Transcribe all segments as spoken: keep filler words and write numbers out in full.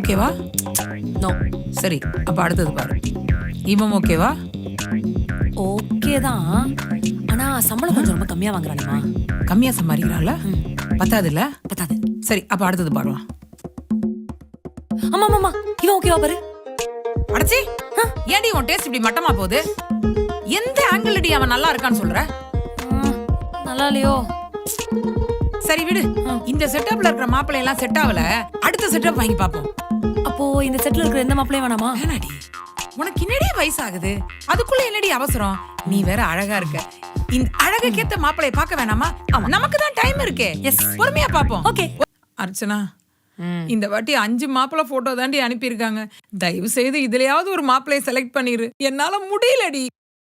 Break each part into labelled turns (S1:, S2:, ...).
S1: ஓகேவா?
S2: நோ.
S1: சரி, அப்ப அடுத்தது பாரு. இவன் ஓகேவா?
S2: ஓகே தான். ஆனா சம்பளம் கொஞ்சம் ரொம்ப கம்மியா வாங்குறானேமா.
S1: கம்மியா சம்பாதிக்கிறாள். பத்தாது இல்ல?
S2: பத்தாது.
S1: சரி, அப்ப அடுத்தது பாருவான்.
S2: ஆமா ஆமா இவன் ஓகேவா பாரு.
S1: அடச்சி, ஏடி உன் டேஸ்ட் இப்படி மட்டமா போகுது? எந்த ஆங்கிள் அடி அவன் நல்லா இருக்கான்னு சொல்ற?
S2: நல்லா இல்லையோ?
S1: சரி விடு. இந்த செட்டப்ல இருக்கிற மாப்பிள்ளை எல்லாம் செட் ஆகல. அடுத்த செட்டப் வாங்கி பாப்போம்.
S2: அப்போ இந்த செட்ல இருக்கிற எந்த மாப்பிளையும் வேணாமா?
S1: வேணாடி, உனக்கு என்னடி வயசாகுது, அதுக்குள்ள என்னடி அவசரம்? நீ வேற அழகா இருக்க. இந்த அழகுக்கேத்த மாப்பிளைய பார்க்க வேணாமா? நமக்கு தான் டைம் இருக்கே. எஸ், பொறுமையா பாப்போம்.
S2: ஓகே.
S1: அர்ச்சனா, இந்த வாட்டி அஞ்சு மாப்பிள்ளை போட்டோ தாண்டி அனுப்பியிருக்காங்க. தயவு செய்து இதுலயாவது ஒரு மாப்பிளைய செலக்ட் பண்ணிரு. என்னால முடியலடி.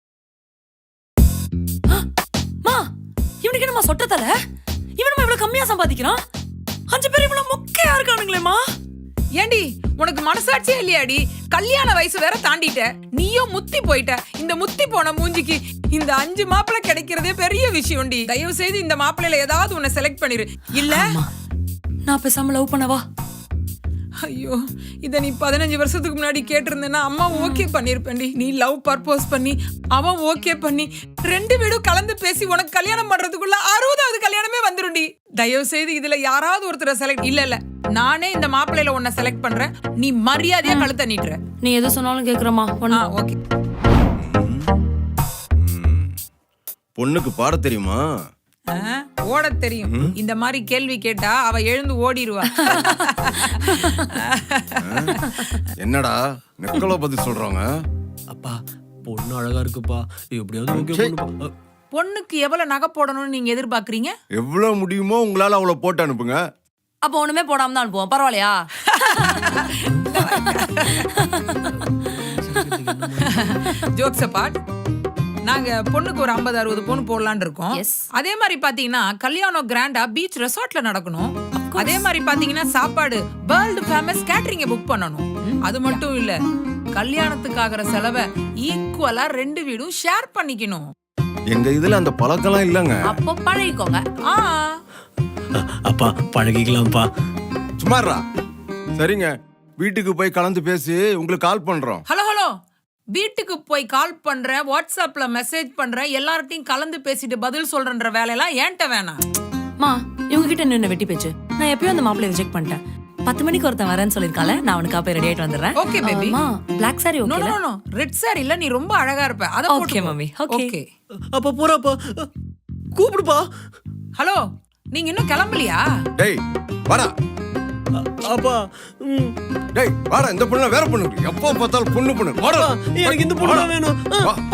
S2: மா, இவனுக்கு என்னமா சொட்ட தல? இவனுமா இவ்வளவு கம்மியா சம்பாதிக்கிறான்? அஞ்சு பேர் இவ்வளவு மொக்கையா இருக்கானுங்களேமா.
S1: ஏண்டி, உனக்கு மனசாட்சியே இல்லையாடி? கல்யாண வயசு வேற தாண்டிட்ட, நீயும் முத்தி போயிட்ட. இந்த முத்தி போன மூஞ்சிக்கு இந்த அஞ்சு மாப்பிள்ளை கிடைக்கிறதே பெரிய விஷயம்டி. தயவு செய்து இந்த மாப்பிள்ளையில ஏதாவது உன்னை செலக்ட் பண்ணிரு. இல்ல
S2: நான் பேசாம லவ் பண்ணவா?
S1: ஐயோ, இத நீ பதினஞ்சு வருஷத்துக்கு முன்னாடி கேட்டிருந்தேன்னா அம்மா ஓகே பண்ணிருப்பேன்டி. நீ லவ் பர்போஸ் பண்ணி அவன் ஓகே பண்ணி ரெண்டு வீடும் கலந்து பேசி உனக்கு கல்யாணம் பண்றதுக்குள்ள அறுபதாவது கல்யாணமே வந்துருண்டி. தயவு செய்து இதுல யாராவது ஒருத்தரை செலக்ட். இல்ல இல்ல, நானே இந்த மாப்பிள்ளையில உன்னை செலக்ட் பண்றேன். நீ மரியாதையா கழுத்த நீட்டுற.
S2: நீ எது சொன்னாலும் கேக்குறமா.
S1: ஓகே.
S3: பொண்ணுக்கு பாட தெரியுமா?
S1: ஓட தெரியும். இந்த மாதிரி கேள்வி கேட்டா அவ எழுந்து ஓடிடுவா.
S3: என்னடா நெக்கலோ பத்தி சொல்றாங்க?
S4: அப்பா பொண்ணு அழகா இருக்குப்பா, எப்படியாவது ஓகே பண்ணுப்பா.
S1: பொண்ணுக்கு எவ்வளவு நகை போடணும்னு நீங்க எதிர்பார்க்கறீங்க?
S3: எவ்வளவு முடியுமோ உங்களால அவளை போட்டு அனுப்புங்க.
S2: அப்ப ஒண்ணுமே போடாம தான் அனுப்புவோம். பரவாயில்லையா?
S1: ஜோக்ஸ் அபார்ட், நாங்க பொண்ணுக்கு ஒரு ஐம்பது அறுபது பொண்ணு போடலான்னு இருக்கோம். அதே மாதிரி பாத்தீங்கன்னா கல்யாணம் கிராண்டா பீச் ரெசார்ட்ல நடக்கணும். அதே மாதிரி பாத்தீங்கன்னா சாப்பாடு வேர்ல்டு ஃபேமஸ் கேட்டரிங்க புக் பண்ணணும். அது மட்டும் இல்ல, கல்யாணத்துக்கு ஆகிற செலவை ஈக்குவலா ரெண்டு வீடும் ஷேர் பண்ணிக்கணும்.
S3: எங்க இதுல அந்த பழக்கம்லாம் இல்லங்க.
S2: அப்போ பழகிக்கோங்க.
S1: ஆ
S4: அப்பா பழகிக்கலாம்ப்பா.
S3: சும்மாறா. சரிங்க, வீட்டுக்கு போய் கலந்து பேசி உங்களுக்கு கால் பண்றோம்.
S1: ஹலோ ஹலோ, வீட்டுக்கு போய் கால் பண்றேன், வாட்ஸ்அப்ல மெசேஜ் பண்றேன், எல்லார்ட்டையும் கலந்து பேசிட்டு பதில் சொல்றன்ற வேலையெல்லாம் ஏன்ட்ட வேணாம்.
S2: மா, இவங்க கிட்ட நின்னு வெட்டி பேச்சு. நான் எப்பயும் அந்த மாப்பிளைய ரிஜெக்ட் பண்ணிட்டேன். பத்து மணிக்கு ஒருத்தன் வரேன்னு சொல்லிருக்கால, நான் அவனுக்கு போய் ரெடி ஆயிட்டு வந்துடுறேன்.
S1: Okay baby.
S2: மா, black sari
S1: no
S2: okay.
S1: No no, red sari இல்ல, நீ ரொம்ப அழகா இருப்ப. அத
S2: ஓகே
S1: போட்டு
S2: மம்மி. ஓகே.
S1: ஓகே.
S4: அப்பா போறாப்பா, கூப்பிடுப்பா.
S1: ஹலோ, நீங்க இன்னும் கிளம்பலையா?
S3: டேய் வாடா.
S4: அப்பா
S3: டேய் வாடா. இந்த பொண்ணு வேற பொண்ணு. எப்போ பார்த்தாலும் பொண்ணு பொண்ணு. வாடா.
S4: எனக்கு இந்த பொண்ணு தான் வேணும்.